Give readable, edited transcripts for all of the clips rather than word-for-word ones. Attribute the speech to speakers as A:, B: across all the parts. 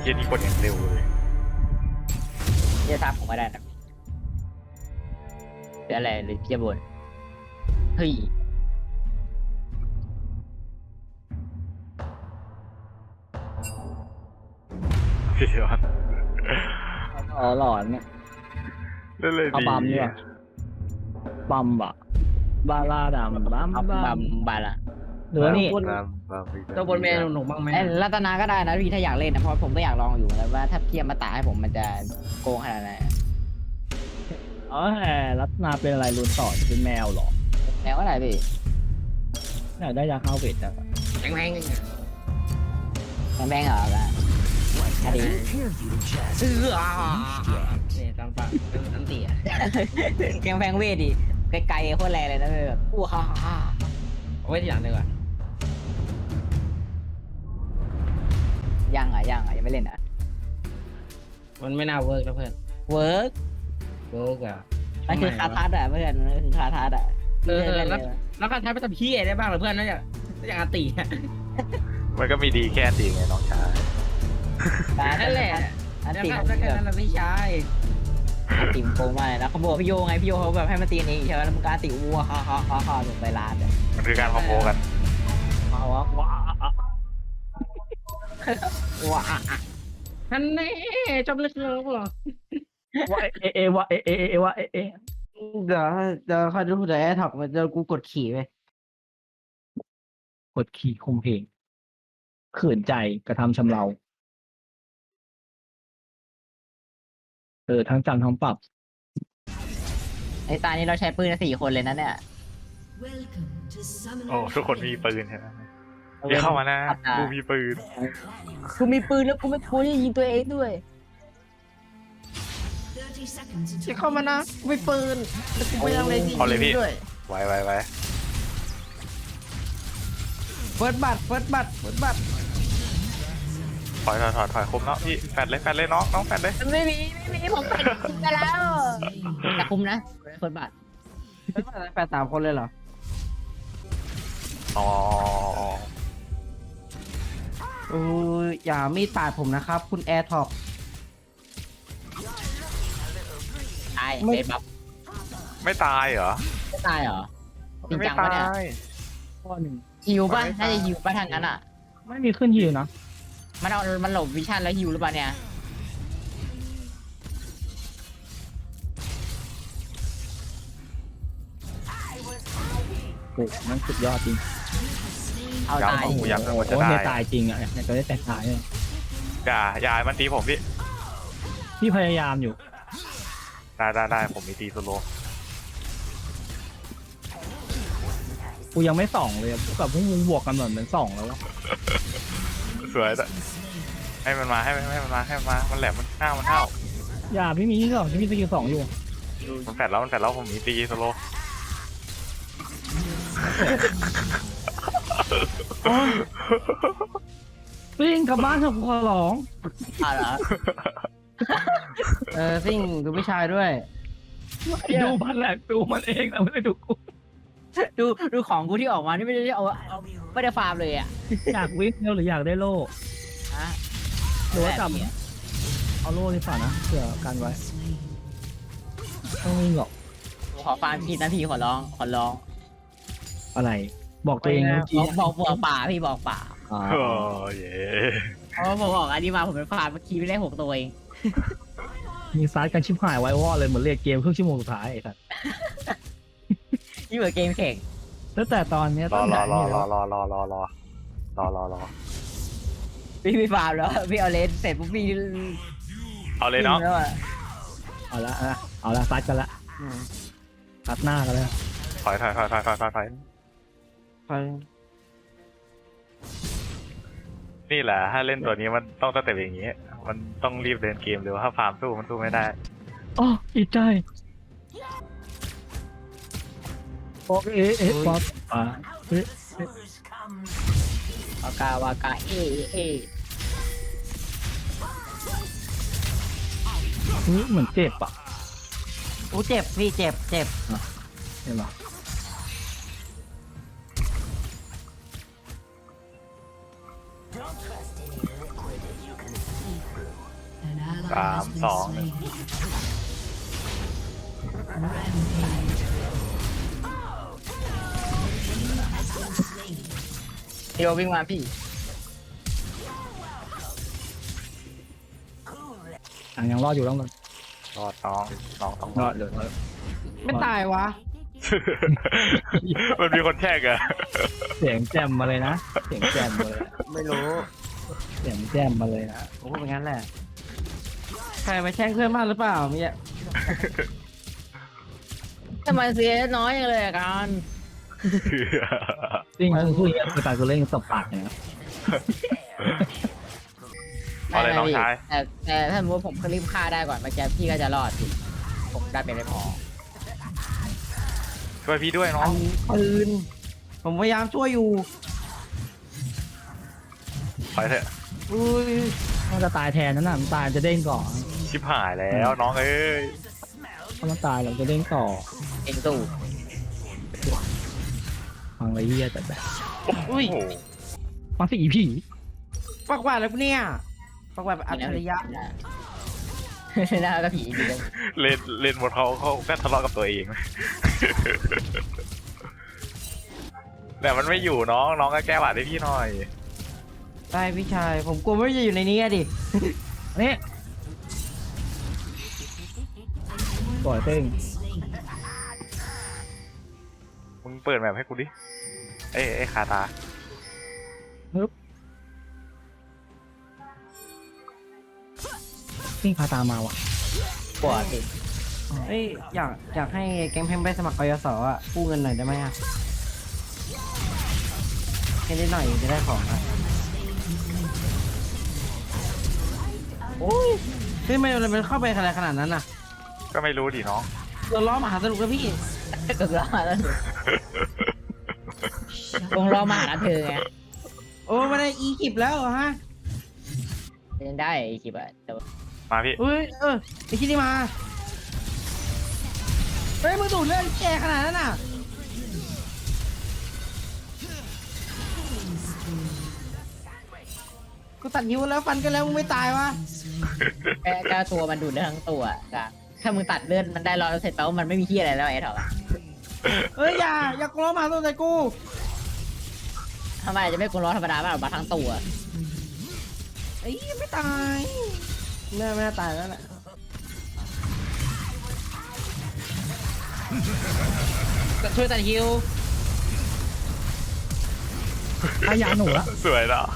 A: เย็นนี่กดอย่างเร็วเลย
B: จะทำผมไม่ได้นะเป็นอะไรหรือจะบ่นเฮ้ย
A: พี่ยอน
C: อ๋อหลอนเนี่ย
A: เล่นเลย
C: เอา
A: ดี
C: บัมดีกว่าบัมบะบาลาดามบัม
B: เอา
C: บั
B: บั
C: ม
B: มบาละ
C: หรือว่านี่
A: บัมอีก
D: ตัวบนเมนูหนุกบ้างไหม
B: ไอ้รัตนาก็ได้นะพี่ถ้าอยากเล่นนะเพราะผมก็อยากลองอยู่แล้วว่าถ้าเทียมมาตาให้ผมมันจะโกงขนาดไหน
C: อ๋อแหมรัตนาเป็นอะไรรุนต่อเป็นแมวเหรอ
B: แล้วอะไรพี่
C: อยากได้ยาฆ่าเวทจังอะ
D: แข็งแรง
B: แบงเหรอละอันนี้
D: นี่ตามปากอันตีอ่ะ
B: แกงแพงเวทดิไกลๆโคตรแรงเลยนะแบบอู้ฮ่าฮ่า
D: เอาไว้ที่หลังดีกว่า
B: ยังยังไม่เล่นอ่ะ
D: มันไม่น่าเวิร์กนะเพื่อน
B: เวิร์ก
D: เวิร์กอ่ะ
B: มันคือคาทัสอ่ะเพื่อนมันคือคาทัสอ่ะ
D: แล้วการใช้ไปทำพี่ได้บ้างหรือเพื่อนน่าจะอันตี
A: มันก็มีดีแค่ดีไงน้องชาย
D: นั่นแหละ
B: อัน
D: แล้ว
B: ติ
D: ก็
B: มัน
D: แล้ว
B: แบบ
D: ก็พี่ชาย
B: ติมโกงมากเลยนะเขาบอกพี่โยไงพี่โยเขาแบบให้มาตีเองใช่ไหมแล้วมันก็ติวัวฮ่าฮ่าฮ่าฮ่าลงไปลาดอ่ะ
A: มันคือการคอมโบกัน
B: ว้าวว้าวว้าว
D: ท่านแน่จบเลยคือหรอ
C: ว่าเอว่าเอว่าเอ
D: เดี๋ยวคอยดูเดี๋ยวแอร์ท็อกมันจะกูกดขี่ไป
C: กดขี่ข่มเหงขืนใจกระทำชำเราทั้งจำทั้งปรับ
B: ไอ้ตานี้เราใช้ปืน4 คนเลยนะเนี่ย
A: โอ้ทุกคนมีปืนใช่ไหมอย่าเข้ามานะกูมีปืน
B: กูมีปืนแล้วกูไม่ควรจะยิงตัวเองด้วย
D: จะเข้ามานะกูไม่ปืนแล้วกูไม่ยังเลยจริง
A: เอาเลยพี่
D: ด้วย
A: ไว้
D: เฟิร์สบัตเฟิร์สบัต
A: ถอยคมเนาะพี่แฟดเลยน้องแฟดเลย
B: ไม่มีผมเป็นไปแล้วแต่คุมนะคนบาท
D: เฟิร์สบัตแปด3 คนเลยเหรอ
A: อ๋อ
D: อย่ามีดปาดผมนะครับ คุณแอร์ท็อก
B: ตาย
D: ไม่
B: เบสบัฟ
A: ไม่ตายเหรอ
B: ไม่ตายเหรอจริง
A: ไม่
B: จัง
A: ตา
B: ปะเนี่ย
A: ย
C: ข้อหนึ่ง
B: ฮิวป่ะ
A: ไม่ตาย
B: น่าจะฮิวป่ะทางนั้นอ่ะ
C: ไม่มีขึ้นยิวนะ
B: มันหลบวิชั่นแล้วฮิวหรือเปล่าเนี่ย
C: โอ้มันสุดยอดจริง
B: เอาตาย
A: โอ้โหยัง
C: โอ้
A: มันจะ
C: โห
A: ได้
C: เนี่ยตายจริงอ่ะเนี่ยจะได้แต่ตายเลย
A: อย่ามันตีผมพี่
C: พี่พยายามอยู่
A: ได้ผมมีตีโซโล
C: กูยังไม่ส่องเลยกับพวกมึงบวกกันเหมือนส่องแล้ววะ
A: สวยแต่ให้มันมามันแหลมมันห้าว
C: อย่าพี่มีที่สองพี่มีสกิล2อยู่
A: มันแฟดแล้วผมมีตีโซโล
C: วิ่งกลับบ้านเถอะกูขอร้อง
B: เอาเหรอ
D: ซิ่งดูพี่ชายด้วย
C: ดูมันแหละดูมันเองแต่ไม่ได้ดูกู
B: ดูของกูที่ออกมานี่ไม่ได้เอาไม่ได้ฟาร์มเลยอ่ะ
C: อยากวิ่งเร็วหรืออยากได้โล่
B: ฮะ
C: หรือว่าจับเอาโล่ดีกว่านะเผื่อกันไว้ต้องวิ่งหรอก
B: ขอฟาร์มพี่นะพี่ขอร้อง
C: อะไร บอกตัวเองเมื่อกี้
B: บอกป่าพี่บอกป่า
C: อ๋อ
A: โอ้เย่
B: เพราะว่าผมออกอันนี้มาผมเป็นฟาร์มเมื่อกี้ไม่ได้6 ตัวเอง
C: มีซัดกันชิบหายไว้วอดเลยเหมือนเรียกเกมครึ่งชั่วโมงสุดท้ายไอ้สัส
B: นี่เหมือนเกมแข่ง
C: แล้วแต่ตอนเนี้ย
A: ร
C: ต้
A: อ
C: องด่านี่แล้ว
B: พี่ฟาร์มแล้วพี่เอาเลนเสร็จปุ๊บพี่
A: เอาเลยเนาะ
B: แล้วอะ
C: เอาละซัดกันละซัดหน้ากันแล้ว
A: ถอย
D: คอย
A: นี่แหละถ้าเล่นตัวนี้มันต้องสเต็ปอย่างนี้มันต้องรีบเดินเกมเร็วถ้าฟาร์มสู้มันสู้ไม่ได้
C: อ๋ออีใจบอกป๊อป
B: วากาเอ
C: เหมือนเจ็บอ่ะ
D: อู้เจ็บพี่เจ็บ
C: เห็นปะ
E: Don't trust any liquid if you can see through
A: 3 2 1
B: พี่โยวิ่งมาพี่
C: ยังรอดอยู่แล้วกัน
A: รอดน้องต้อง
C: ร
A: ร
C: อ
A: อ
C: ด
A: ด
C: เดี๋ยวรอด
D: ไม่ตายวะ
A: มันมีคนแช่งอะ
C: เสียงแจมมาเลยนะเสียงแจมมาเลย
D: ไม่รู้
C: เสียงแจมมาเลยนะ
D: ผมพูดเป็นงั้นแหละใครมาแช่งเพื่อนมากหรือเปล่าเมีย
B: ทำไมเสียน้อยอย่างเลยอะกัน
C: จริงๆพูดอย่างนี้คือตาคือเล่นตบปากเนี่ย
A: เอาเลยน้องชาย
B: แต่ถ้าสมมติผมรีบฆ่าได้ก่อนเมื่อกี้พี่ก็จะรอดสิผมได้เป็นไม่พอ
A: ช่วยพี่ด้วยน้อง
D: ปืนผมพยายามช่วยอยู่
A: ไปเถอะ
D: อุ้ย
C: มันจะตายแทนนั่นน่ะมันตายจะเด้งก่อน
A: ชิบหายแล้วน้องเอ้ย
C: ถ้ามันตายเราจะเด้งต่อ
B: เองตู้
C: ฟังไรเฮียแต่แบบ
D: อุ้ย
A: โอ้โห
C: ฟังสิอีผี
D: ปักหวาดแล้วเนี่ยปักหวาดแบบอัจฉริยะ
B: น่าก็ผีดีเลย
A: เล่นหมดเขาก็ทะเลาะกับตัวเอง แต่มันไม่อยู่น้องก็แก้บาดให้พี่หน่อย
D: ได้พี่ชายผมกลัวไม่จะอยู่ในนี้อะดิ
C: นี่ปล่อยเต้ง
A: มึงเปิดแมปให้กูดิเอ้คาตา
C: นี่พาตามมาว่ะ
B: ปวดสิ
D: เอ้ยอยากให้แก๊งเพมไปสมัครกยศอ่ะกู้เงินหน่อยได้ไหมอ่ะแค่นิดหน่อยจะได้ของอ่ะโอ้ยเฮ้ยมันเข้าไปอะไรขนาดนั้นน่ะ
A: ก็ไม่รู้ดิน้อง
D: เราล้อมหาสนุกแล้วพี่
B: ก็รอมาแล้วคงรอมาหาเธอไง
D: โอ้ไม่ได้อีกิบแล้วเหรอฮะ
B: ยังได้อีกทีอะแต่
A: มาพี่
D: เฮ้ยไอคิดนี่มาเฮ้ยมึงดูดเลือดแกขนาดนั้นน่ะกูตัดนิ้วแล้วฟันกันแล้วมึงไม่ตายวะ
B: แค่ตัวมันดูดเลือดทั้งตัวอะถ้ามึงตัดเลือดมันได้100%แปลว่ามันไม่มีที่อะไรแล้วไอ้เถอะ
D: เฮ้ยอย่ากลัวมาตัวใจกู
B: ทำไมจะไม่กลัวร้อนธรรมดาบ้างหรอมาทั้งตัว
D: ไอ้ยไม่ตายไม่น่าตายแล้วแหละ ช่วยตัดฮิว
C: อายาหนูละ
A: สวยเนาะ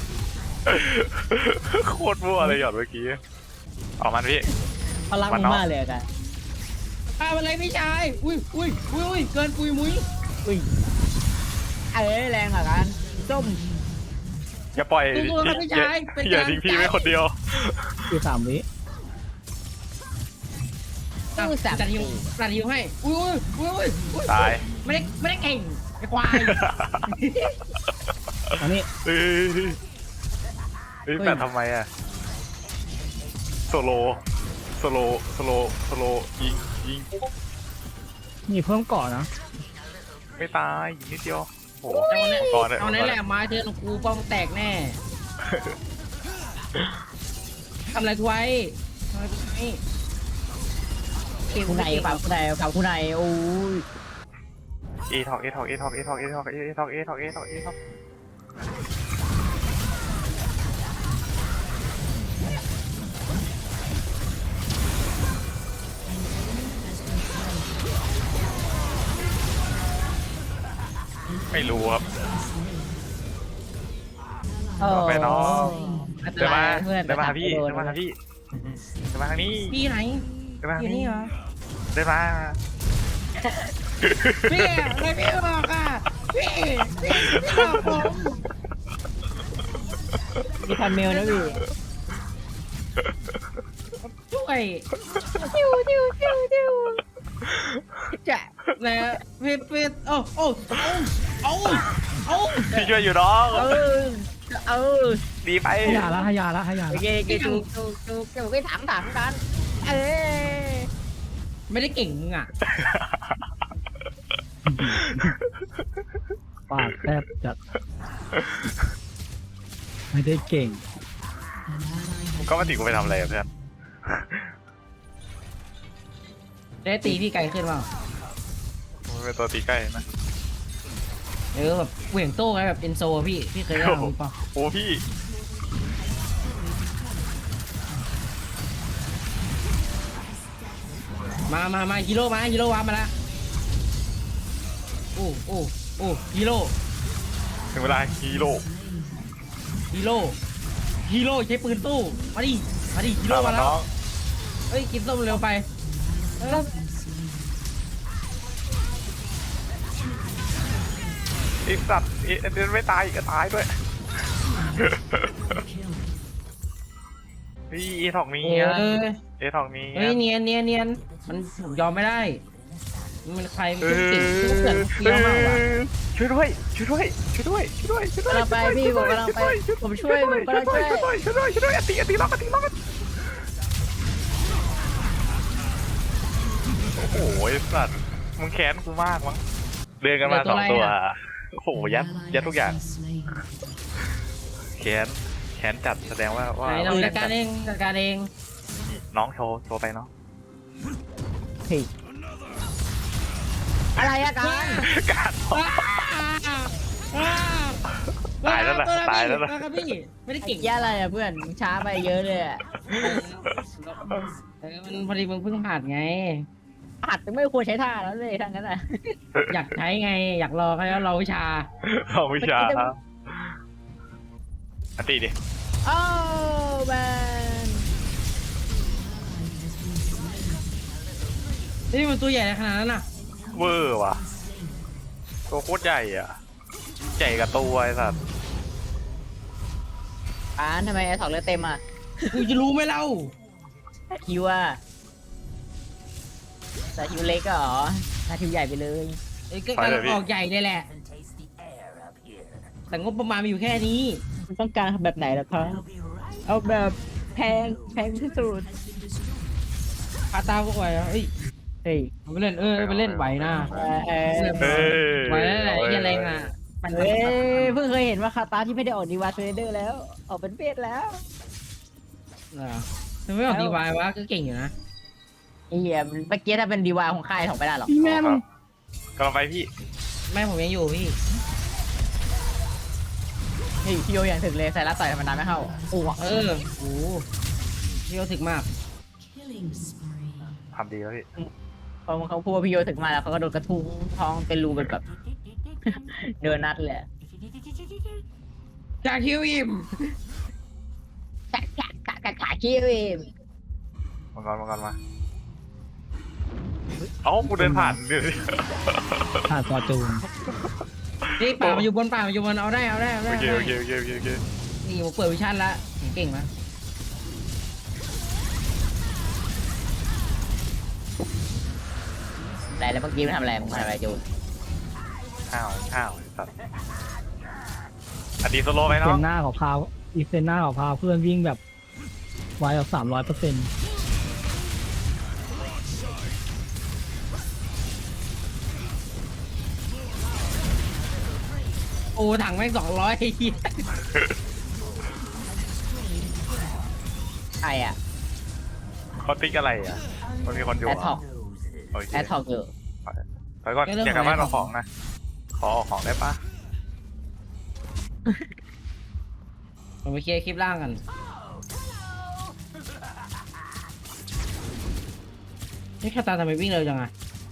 A: โคตรมั่วเลยหยอดเมื่อกี้ออกมันพี่
B: เขารักมึงมากเลยอะกัน
D: อะไรพี่ชายอุ้ยเกินปุยมุ้ย
B: อุ้ยแรงอ่ะกันส้ม
A: อย่าปล่อย
D: ตัวครับพี่ชายเป็น
A: อย่าทิ้งพี่ไว้คนเดียว
C: คือ3 วิ
B: ตู้สับ
D: ตัดฮิวให้อุ้ย
A: ตาย
D: ไม่ได้เก่งไอ้ควาย
C: อันนี้
A: เฮ้ยแต่ทำไมอะโซโลยิง
C: มีเพิ่มเกาะนะ
A: ไม่ตายยิงนิดเดียวโอ้โห
D: เอาในแหละไม้เธอกูป้องแตกแน่ทำอะไรกูไว้ทำอะไรกูไว้
B: คู่ในฝั่งคู่ในโอ้ย
A: เอทอกไม่รู้ครับ ไปน้อง
B: อันต
A: เดินมาร
B: ายเพื่อน
A: เดินมาหาพี่เดินมาทางนี้
D: พี่ไหน
A: เดินมาทาง
D: อยู่
A: นี้
D: นี่เหรอ
A: เดินมา
D: พี่อะไรพี่บอกอ่ะพี่บอกผม
B: มีพันเมลนะพี่
D: ช่วย
B: จิ้วจะ
D: นะพี่โอ้
A: พี่ช่วยอยู่น้อง
B: เออ
A: ดีไป
C: ให้ยาละให้ยาละ
B: โอเคถูกไปถามกัน
D: ไม่ได้เก่งมึงอ่ะ
C: ปากแทบจัดไม่ได้เก่ง
A: ก็มาติกูไปทำอะไรอะเพื่อน
D: ได้ตีพี่ไกลขึ้นเปล่า
A: มันเป็นตัวตีใกล้นะ
D: แบบเหวี่ยงโต้ไงแบบเอนโซพี่เคยได้หรือเปล่า
A: โอ้พี่
D: มาฮีโร่วาร์ปมาแล้วโอ้ฮีโร่
A: ถึงเวลาฮีโร่
D: ใช้ปืนสู้มาดิฮีโร่มาแล้ว
A: น้อง
D: เฮ้ยกินส้มเร็วไป
A: ไอสัตว์เอ็นไม่ตายก็ตายด้วยพี่เอทอกมี
D: เอ
A: อะ
D: อ
A: เอทอกมี
D: เฮ้ยเนียนมันผมยอมไม่ได้มันใครมันเก่งเพื่อนเฟี้ยวมากว่ะ
A: ช่วยด้วย
B: กำลังไปพี่ผมกำลังไปผมช่วยผมกำลังช่วย
A: ช่วยด้วยอติล็อกโอ้โหไอสัตว์มึงแค้นกูมากมั้งเดินกันมาสองตัวโอ้โหยัดทุกอย่างแค้นจัดแสดงว่า
D: ไหนเราจัดการเอง
A: น้องโชว์ไปน้อง
B: เฮ้ยอะไรอะกัน
A: การตายแล้วนะ
D: ครับพี่ไม่ได้
B: เก่
D: เก่
B: ง
D: ง
B: แย่อะไรอะเพื่อนมึงช้าไปเยอะเลยอะ
D: มันพอดีมึงเพิ่งผ่านไง
B: หัดไม่ควรใช้ท่าแล้วเลยทั้งนั้นอะ
D: อยากใช้ไงอยากรอให้เราวิชา
A: เอาวิชาอันตีดิ
B: โอ้แมน
D: นี่มันตัวใหญ่ขนาดนั้นน่ะ
A: เวอร์ว่ะตัวโคตรใหญ่อ่ะใหญ่กับตัวไอ้สัตว์
B: ทำไมไอ้ถอดเลือดเต็มอะ
D: กูจะรู้ไหมเล่า
B: ฮิวอะแต่ฮิวเล็กอะเหรอถ้าฮิวใหญ่ไปเลย
D: ไอ้ก็การออกใหญ่เลยแหละ แต่งบประมาณมีอยู่แค่นี้
B: คุณต้องการแบบไหนล่ะครับเอาแบบแพงที่สุด
D: คาตาก็ไหวอ่ะเอ้ย
B: เฮ้ย
D: เอาไปเล่นไปเล่นไหวนะ
A: เฮ้ย
D: ไหวแล้วแหละไอ้เหี้ยแรงอ่ะปั่น
B: เฮ้ยเพิ่งเคยเห็นว่าคาตาที่ไม่ได้ออกดีวาเทรเดอร์แล้ว ออกเป็นเวทแล้ว
D: เหรอทำไมไม่ออกดีวายวะก็เก่งอยู่นะ
B: ไอ้เหี้ยเมื่อกี้ถ้าเป็นดีวายของค่ายถอกไม่ได้หรอก
C: พี่แม่มึง
A: กำลังไปพี่
D: แม่ผมยังอยู่พี่
B: เฮ้ยพี่โยอย่างถึงเลยใส่รัดใส่ธรรมดาไม่เข้าโอ้
D: โอ้โหพี่เขาถึกมาก
A: ทำดีแล้วพี่
B: พอเขาพูดว่าพี่โยถึงมาแล้วเขาก็โดนกระทุ้งท้องเป็นรูเป็นแบบ เดินนัดเลย
D: จากคิวอิม
B: ขาขี้เอง
A: มังกรมาเอ้ากูเดินผ่านเดี๋ยวนี้
C: ผ่านฟอร์จูน
D: นี่ป่ามันอยู่บนเอาได้
A: โอเค
D: นี่ผมเปิดวิชั่นละเก่งไหม
B: แต่แล้วเมื่อกี้มันทำอะไรมึงทำอะไรจูน
A: อ้าวสัตว์อันดีโซโล่ไหม
C: เซ
A: น้อง
C: นหน้าของพาวอีเซนหน้าของพาวเพื่อนวิ่งแบบไวกว่า300%
D: โอ้ถังแม่ง200
B: ใครอะ
A: เขาติ๊กอะไรอ่ะมันมีคนอยู่
B: แอดท็อก
A: โอเค
B: แอดท็อกอยู่
A: ไปก่อนอยากกลับบ้านเอาของนะขอออกของได้ปะ
D: ผมไปเคลียร์คลิปล่างกันนี่คาตาทำไมวิ่งเร็วจังอะ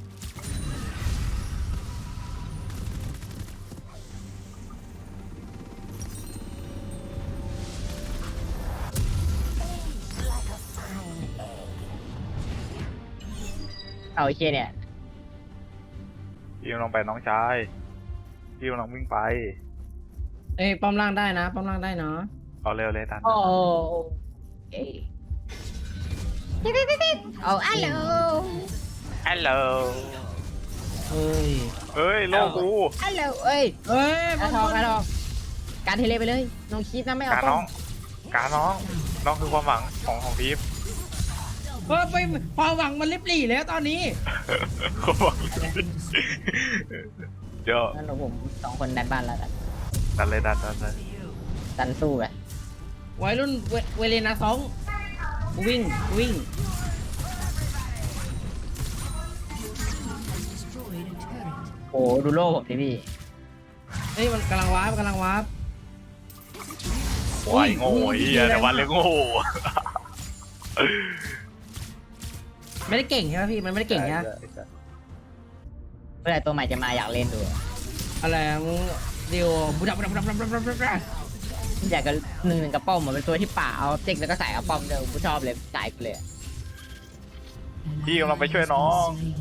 B: เอาไอ้เชี่ยเนี่ย
A: พี่ลองไปน้องชายพี่ลองวิ่งไป
D: เอ้ยป้อมล่างได้นะป้อมล่างได้เนาะ
A: เอาเร็วเลยตัน
B: โอ้เอ้เอาอัลโหล
A: ฮัลโหล
D: เอ้ย
A: เฮ้ยโลกู
B: อัลโหลเอ้ย
D: เอ้ย
B: แอดท็อกการเทเลไปเลยน้องคิดนะไม่เอา
A: การ
B: ต้
A: น้
B: อ
A: อง งการน้องคือความหวังของทีม
D: ไปพอหวังมันลิบหลี่แล้วตอนนี้
A: ความหวังเดี๋ยว
B: งั้นเราผมสองคนดันบ้านแล้วกัน
A: ดันเลย
B: ดันสู้ไป
D: วัยรุ่นเวเลนาสองกูวิ่งกูวิ่ง
B: โอ้ดูโล่ผมดิพี่
D: เฮ้ยมันกำลังวาร์ปกำลังวาร์ป
A: โอ้ยโง่ไอ้เหี้ยแต่วันเลยโง่
D: ไม่ได้เก่งใช่ไหมพี่มันไม่ได้เก่งใช่ไหม
B: เมื่อไหร่ตัวใหม่จะมาอยากเล่นดู
D: อะไรอะมึงเดียวบุดับบุดับบุดับบุดับบุดับบุดับ
B: อยากจะ1-1กับป้อมเหมือนเป็นตัวที่ป่าเอาเจ๊กแล้วก็ใส่เอาป้อมเดิมกูชอบเลยสายกูเลย
A: พี่กำลังไปช่วยน้อง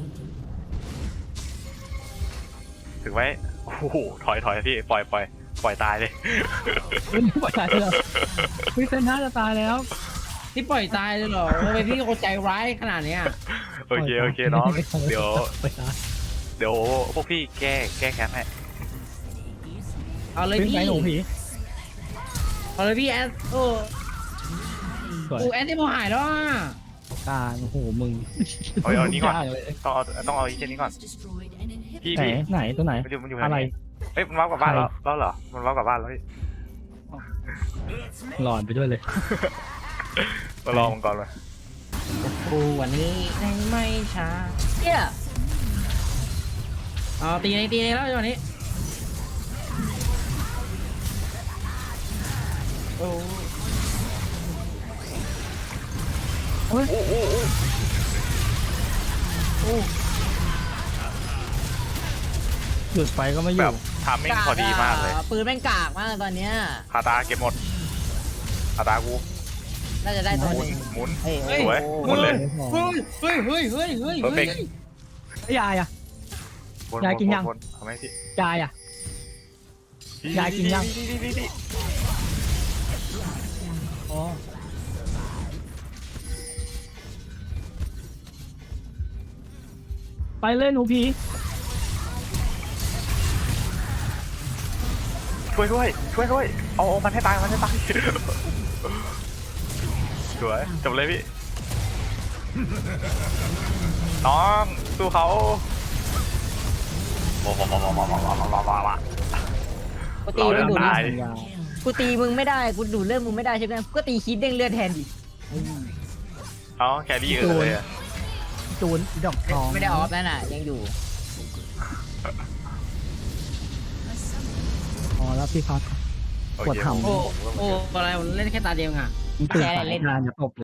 A: ถึงไหมโอ้โหถอยพี่ปล่อยตายเลย
C: ไม่ปล่อยตายเลยพี่เซนน่าจะตายแล้ว
D: ที่ปล่อยตายเลยเหรอทำไมพี่โคตรใจร้ายขนาดเนี้ย
A: โอเคน้องเดี๋ยว
C: ปล่อยตาย
A: พวกพี่แก้แค้นให้
D: เอาเลย
C: วิ่ง
D: พี่
C: ไปหนูผี
D: เอาเลยพี่แอดโอ้
C: สวย
D: กูแอดที่โมหายแล้วอ่ะ
C: การโอ้โหมึง
A: เอานี้ก่อน
C: ยากเลย
A: ต้องเอาอีเจนนี้ก่อนพี่
C: ไหนไหนตัวไหน
A: มันอยู่
C: อะไร
A: เอ้ยมันว้าวกลับบ้านแล้วเหรอมันว้าวกลับบ้านแล้วพี่
C: หลอนไปด้วยเลย
A: มาลองมันก่อนเลย
D: กูวันนี้ไม่ช้า
B: เนี่ย
D: เอาตีในแล้วจังหวะนี้โอ้
C: หยุดไฟก็ไม่อ
A: แบ
C: ยู่
A: บทามมิ่งพอดีมากเลย
B: ปืนแม่งกากมากตอนเนี้ย
A: คาตาเก็บหมดคาตากู
B: น่าจะได้ตัวหนึ่ง
A: หมุน
B: เฮ้ย
A: สวยหมุนเลย
D: เฮ้ย
A: Perfect
C: ยายอ่ะ ยายกินยัง
A: ทำไมพี่
C: ยายอ่ะ ยายกินยัง อ๋อไปเล่นหนูผี
A: ช่วยด้วยเอามันให้ตายสวยจบเลยพี่น้องสู้เขาว้าว
B: กูตีมึงดูด
A: ตาย
B: กูตีมึงไม่ได้กูดูดเลือดมึงไม่ได้ใช่ไหมก็ตีคีดเด้งเลือดแทนดิ
A: เอาแครี่เลยอะ
C: จูนดอกทอง
B: ไม่ได้ออฟนั่นน่ะยังอยู่
C: อ๋อแล้วพี่พัก
A: โอเค
C: ปวดเข่า
D: โอ้อะไรผมเล่นแค่ตาเดียวอ่ะ
C: ตื่นสายงานอย่าตบ